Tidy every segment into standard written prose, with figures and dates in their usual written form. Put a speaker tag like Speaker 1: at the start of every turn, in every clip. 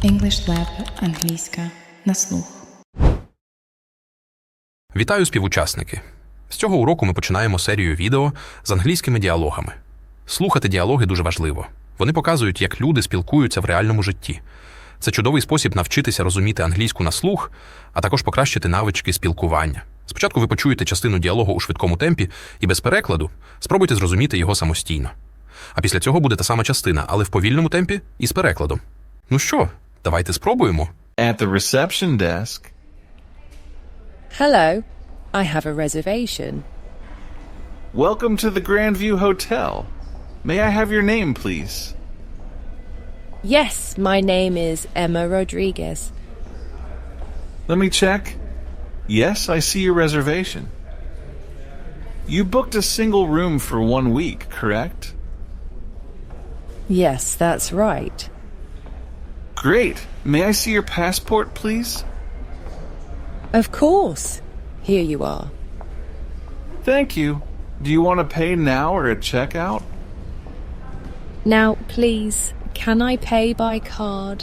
Speaker 1: English Lab – англійська на слух.
Speaker 2: Вітаю, співучасники! З цього уроку ми починаємо серію відео з англійськими діалогами. Слухати діалоги дуже важливо. Вони показують, як люди спілкуються в реальному житті. Це чудовий спосіб навчитися розуміти англійську на слух, а також покращити навички спілкування. Спочатку ви почуєте частину діалогу у швидкому темпі і без перекладу спробуйте зрозуміти його самостійно. А після цього буде та сама частина, але в повільному темпі і з перекладом. Ну що, давайте спробуємо.
Speaker 3: At the reception desk.
Speaker 4: Hello, I have a reservation.
Speaker 3: Welcome to the Grandview Hotel. May I have your name, please?
Speaker 4: Yes, my name is Emma Rodriguez.
Speaker 3: Let me check. Yes, I see your reservation. You booked a single room for 1 week, correct?
Speaker 4: Yes, that's right.
Speaker 3: Great. May I see your passport, please?
Speaker 4: Of course. Here you are.
Speaker 3: Thank you. Do you want to pay now or at checkout?
Speaker 4: Now, please, can I pay by card?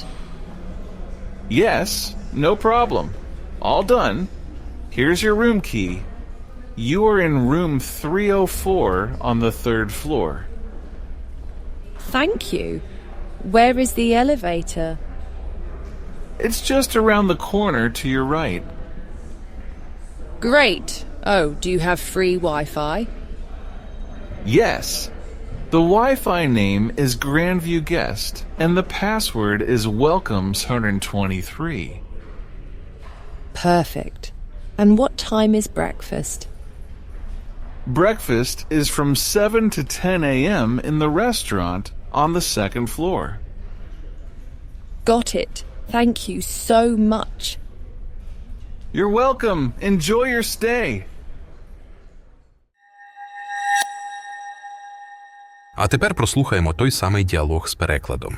Speaker 3: Yes, no problem. All done. Here's your room key. You are in room 304 on the 3rd floor.
Speaker 4: Thank you. Where is the elevator?
Speaker 3: It's just around the corner to your right.
Speaker 4: Great. Oh, do you have free Wi-Fi?
Speaker 3: Yes. The Wi-Fi name is Grandview Guest, and the password is Welcomes123.
Speaker 4: Perfect. And what time is breakfast?
Speaker 3: Breakfast is from 7 to 10 a.m. in the restaurant on the 2nd floor.
Speaker 4: Got it. Thank you so much.
Speaker 3: You're welcome. Enjoy your stay.
Speaker 2: А тепер прослухаємо той самий діалог з перекладом.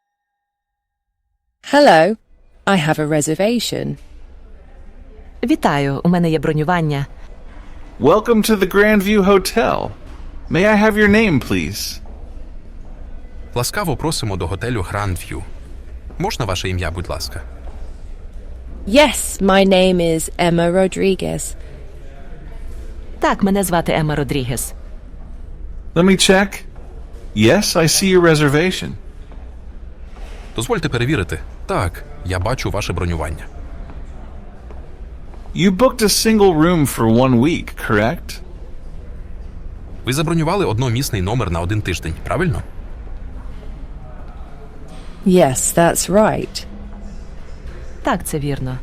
Speaker 4: Hello, I have a reservation.
Speaker 5: Вітаю, у мене є бронювання.
Speaker 3: Welcome to the Grandview Hotel. May I have your name, please?
Speaker 2: Ласкаво просимо до готелю Grandview. Можна ваше ім'я, будь ласка?
Speaker 4: Yes, my name is Emma Rodriguez.
Speaker 5: Так, мене звати Емма Родрігес.
Speaker 3: Let me check. Yes, I see your reservation.
Speaker 2: Дозвольте перевірити. Так, я бачу ваше бронювання.
Speaker 3: You booked a single room for 1 week, correct?
Speaker 2: Ви забронювали одномісний номер на 1 тиждень, правильно?
Speaker 4: Yes, that's right.
Speaker 5: Так, це вірно.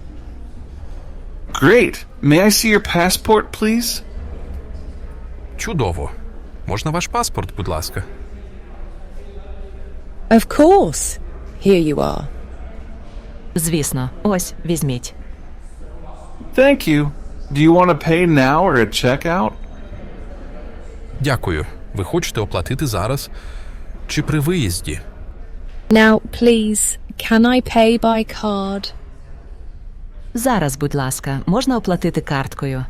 Speaker 3: Great. May I see your passport, please?
Speaker 2: Чудово. Можна ваш паспорт, будь ласка?
Speaker 4: Of course. Here you are.
Speaker 5: Звісно. Ось, візьміть.
Speaker 3: Thank you. Do you want to pay now or at checkout?
Speaker 2: Дякую. Ви хочете оплатити зараз чи при виїзді?
Speaker 4: Now, please, can I pay by card?
Speaker 5: Зараз, будь ласка, можна оплатити карткою?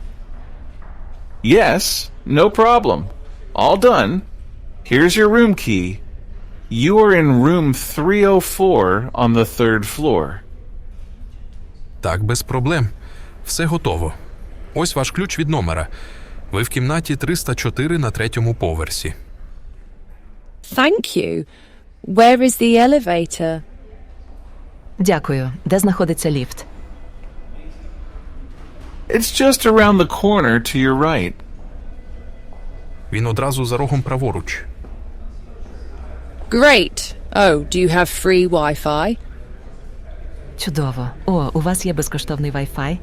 Speaker 3: Yes, no problem. All done. Here's your room key. You are in room 304 on the 3rd floor.
Speaker 2: Так, без проблем. Все готово. Ось ваш ключ від номера. Ви в кімнаті 304 на 3-му поверсі.
Speaker 4: Thank you. Where is the elevator?
Speaker 5: Дякую. Де знаходиться ліфт?
Speaker 3: It's just around the corner to your right.
Speaker 2: Він одразу за рогом праворуч.
Speaker 4: Great. Oh, do you have free Wi-Fi?
Speaker 5: Чудово. О, у вас є безкоштовний Wi-Fi?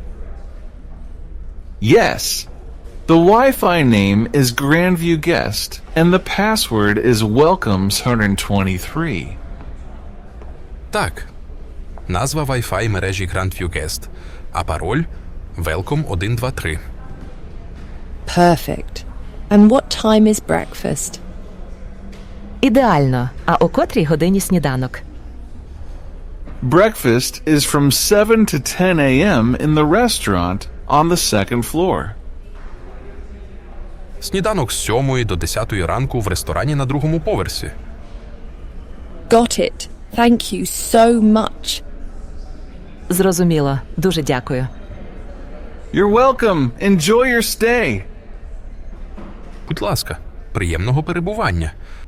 Speaker 3: Yes. The Wi-Fi name is Grandview Guest, and the password is Welcomes123.
Speaker 2: Так. Назва Wi-Fi мережі Grandview Guest, а пароль Welcome123.
Speaker 4: Perfect. And what time is breakfast?
Speaker 5: Ідеально. А о котрій годині сніданок?
Speaker 3: Breakfast is from 7 to 10 a.m. in the restaurant on the 2nd floor.
Speaker 2: Сніданок з 7 до 10 ранку в ресторані на 2-му поверсі.
Speaker 4: Got it. Thank you so much.
Speaker 5: Зрозуміло. Дуже дякую.
Speaker 3: You're welcome. Enjoy your stay.
Speaker 2: Будь ласка, приємного перебування.